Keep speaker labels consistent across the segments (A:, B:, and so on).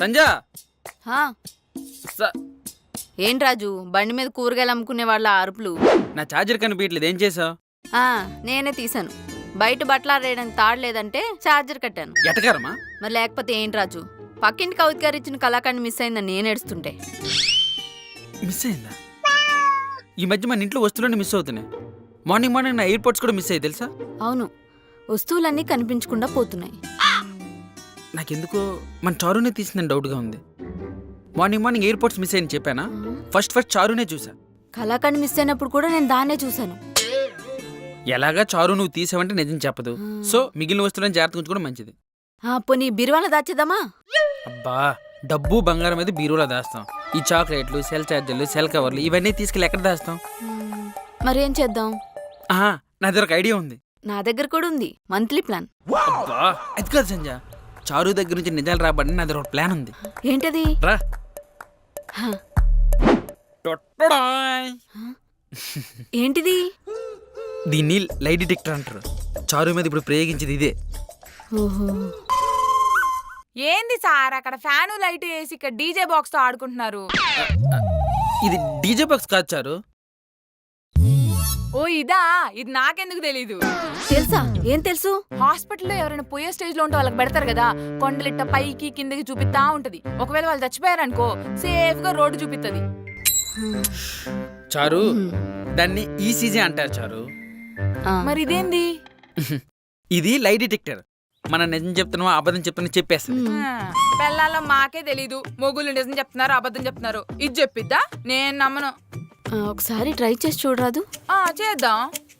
A: సంజా
B: హా, ఏం రాజు బండి మీద కూరగాయలు అమ్ముకునే వాళ్ళ అరుపులు?
A: నా ఛార్జర్ కనిపించట్లేదు, ఏం చేసావు?
B: నేనే తీసాను. బయట బట్టలు ఆరేయడానికి తాడలేదంటే ఛార్జర్ కట్టాను.
A: ఎటకారమా?
B: మరి లేకపోతే ఏంటి రాజు, పక్కింటి కవిత గారు ఇచ్చిన కళాకాండ్ మిస్ అయిందని నేను ఏడుస్తుంటే.
A: మిస్ అయిందా? ఈ మధ్య మన ఇంట్లో వస్తువులన్నీ మిస్ అవుతున్నాయి. మార్నింగ్ నా ఎయిర్పోర్ట్స్ కూడా మిస్ అయ్యి తెలుసా?
B: అవును, వస్తువులన్నీ కనిపించకుండా పోతున్నాయి.
A: నాకెందుకో మన చారునే తీసిందని డౌట్గా ఉంది. మార్నింగ్ ఎయిర్పోర్ట్స్ మిస్ అయ్యని చెప్పానా? ఫస్ట్ చారునే చూసా.
B: కళాకాండ్ మిస్ అయినప్పుడు కూడా నేను దాన్నే చూశాను.
A: ఎలాగా చారు నువ్వు తీసావంటే నిజం చెప్పదు. సో మిగిలిన వస్తువులను జాగ్రత్త ఉంచుకోవడం మంచిది.
B: పోనీ బీరువాల దాచేద్దామా?
A: అబ్బా, డబ్బు బంగారం మీద బీరువాలో దాస్తాం. ఈ చాక్లెట్లు, సెల్ ఛార్జర్లు, సెల్ కవర్లు ఇవన్నీ తీసుకెళ్ళి ఎక్కడ దాస్తాం?
B: మరేం చేద్దాం?
A: నా దగ్గర ఒక ఐడియా ఉంది.
B: నా దగ్గర కూడా ఉంది, మంత్లీ ప్లాన్.
A: అబ్బా, అది కాదు సంజయ్, చారు దగ్గర నుంచి నిజాలు రాబడి నా దగ్గర ఒక ప్లాన్ ఉంది.
B: ఏంటది?
A: రా.
B: ఏంటిది?
A: దీన్ని లై డిటెక్టర్ అంటారు. చారు మీద ఇప్పుడు ప్రయోగించేది ఇదే.
B: ఓహో,
C: ఏంది సార్ అక్కడ ఫ్యాను లైట్ వేసి ఇక్కడ డీజే బాక్స్ తో ఆడుకుంటున్నారు?
A: ఇది డీజే బాక్స్ కాదు చారు.
C: ఓ ఇదా, ఇది నాకెందుకు తెలీదు.
B: తెలుసా? ఏం తెలుసు?
C: హాస్పిటల్లో ఎవరైనా పోయే స్టేజ్ లో ఉంటే వాళ్ళకి పెడతారు కదా, కొండలిట్ట పైకి కిందకి చూపిస్తా ఉంటది. ఒకవేళ వాళ్ళు చచ్చిపోయారనుకో సేఫ్ గా రోడ్డు చూపిస్తుంది.
A: చారు, దాన్ని ఈసీజీ అంటారు చారు.
C: మరి ఇదేంది?
A: ఇది లై డిటెక్టర్. మన నిజం చెప్తున్నావా అబద్ధం చెప్తున్నా చెప్పేస్తుంది.
C: పెళ్ళాల్లో మాకే తెలీదు, మొగుళ్ళు నిజం చెప్తున్నారు అబద్ధం చెప్తున్నారు. ఇది చెప్పిద్దా? నేను నమ్మను.
B: ఒకసారి ట్రై చేసి చూడరాదు?
C: చేద్దాం.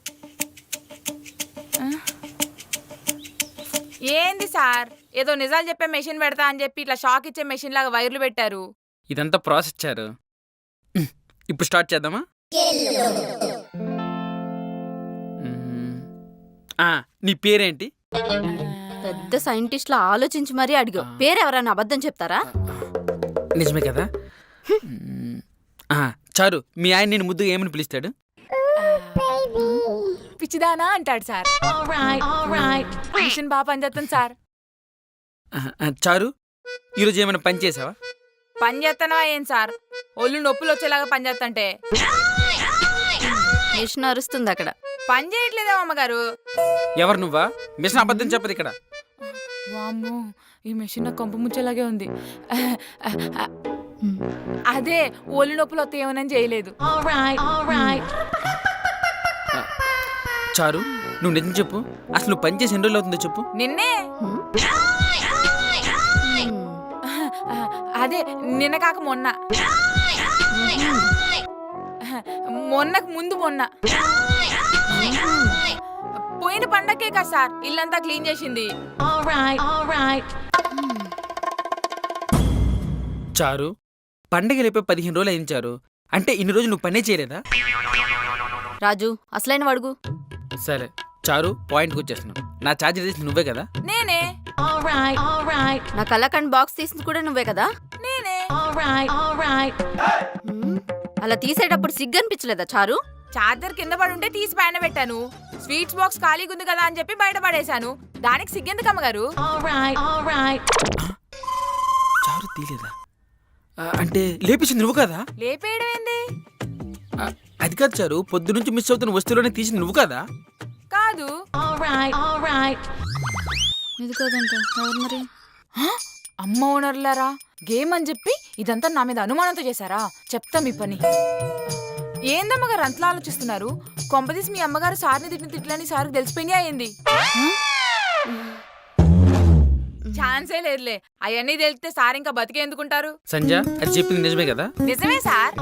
C: ఏంది సార్, ఏదో నిజాలు చెప్పే మెషిన్ పెడతా అని చెప్పి ఇట్లా షాక్ ఇచ్చే మెషిన్ లాగా వైర్లు పెట్టారు.
A: ఇదంతా ప్రాసెస్ చారు. ఇప్పుడు స్టార్ట్ చేద్దామా? నీ పేరేంటి?
B: పెద్ద సైంటిస్ట్ లా ఆలోచించి మరీ అడిగా. పేరు ఎవరైనా అబద్ధం చెప్తారా?
A: నిజమే కదా. చారు, మీ ఆయన నేను ముద్దుగా ఏమని పిలుస్తాడు?
C: పిచ్చిదానా అంటాడు సార్. మిషన్ బాగా పనిచేస్తాను సార్.
A: చారు, ఈరోజు ఏమైనా పని చేసావా?
C: పని చేస్తానా ఏం సార్, ఒళ్ళు నొప్పులు వచ్చేలాగా పని చేస్తంటే.
B: మిషన్ అరుస్తుంది అక్కడ.
C: పని చేయట్లేదా అమ్మగారు?
A: ఎవరు నువ్వా? మిషన్ అబద్ధం చెప్పదు ఇక్కడ.
C: వామ్మో, ఈ మిషన్ నాకు కొంప ముచ్చేలాగే ఉంది. అదే ఒళ్ళు నొప్పులు వస్తే ఏమని చేయలేదు.
A: చారు, నువ్వు నిజం చెప్పు. అసలు నువ్వు పని చేసి ఎన్ని రోజులు అవుతుందో చెప్పు.
C: నిన్నే. అదే నిన్న కాక మొన్న, మొన్నకు ముందు మొన్న. పోయిన పండక్కే కదా సార్ ఇల్లంతా క్లీన్ చేసింది.
A: చారు, పండగ లేపే 15 రోజులు అయించారు అంటే ఇన్ని రోజులు నువ్వు పనే చేయలేదా?
B: రాజు, అసలైన అడుగు.
A: సరే చారు, పాయింట్కి వచ్చేస్తున్నావు. నా ఛార్జర్ తీసి నువ్వే కదా?
C: నేనే.
B: నా కళాకాండ్ బాక్స్ తీసింది కూడా నువ్వే కదా?
C: నేనే.
B: అలా తీసేటప్పుడు సిగ్గు అనిపించలేదా చారు?
C: చార్జర్ కింద పడి ఉంటే తీసి పైన పెట్టాను. స్వీట్స్ బాక్స్ ఖాళీగా ఉంది కదా అని చెప్పి బయట పడేశాను. దానికి సిగ్గెందుకు అమ్మగారు?
A: చారు తీలేదా? అంటే లేపేసింది నువ్వు కదా?
C: లేపేయడం ఏంది?
A: అది కాదు చారు, పొద్దు నుంచి మిస్ అవుతున్న వస్తువులోనే తీసింది నువ్వు కదా?
C: కాదు.
B: ఇది కాదంట. ఎవరు మరి?
C: అమ్మ ఓనర్లారా, గేమ్ అని చెప్పి ఇదంతా నా మీద అనుమానంతో చేశారా? చెప్తా మీ పని. ఏందమ్మగారు అంతలా ఆలోచిస్తున్నారు? కొంపదీసి మీ అమ్మగారు సార్ని తిట్టిన తిట్లని సార్కి తెలిసిపోయినా అయింది. ఛాన్సే లేదులే. అవన్నీ తెలిస్తే సార్ ఇంకా బతికే ఎందుకుంటారు?
A: సంజయ్, అది చెప్పింది నిజమే కదా?
C: నిజమే సార్.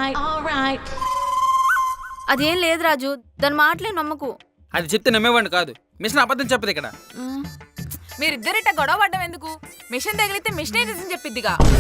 B: అదేం లేదు రాజు, దాని మాటలే నమ్మకు.
A: అది చెప్తే నమ్మేవాడిని కాదు. మిషన్ అబద్ధం చెప్పదు ఇక్కడ.
C: మీరిద్దరిట గొడవ పడ్డం ఎందుకు? మిషన్ తగిలితే మిషనే నిజం చెప్పిద్దిగా.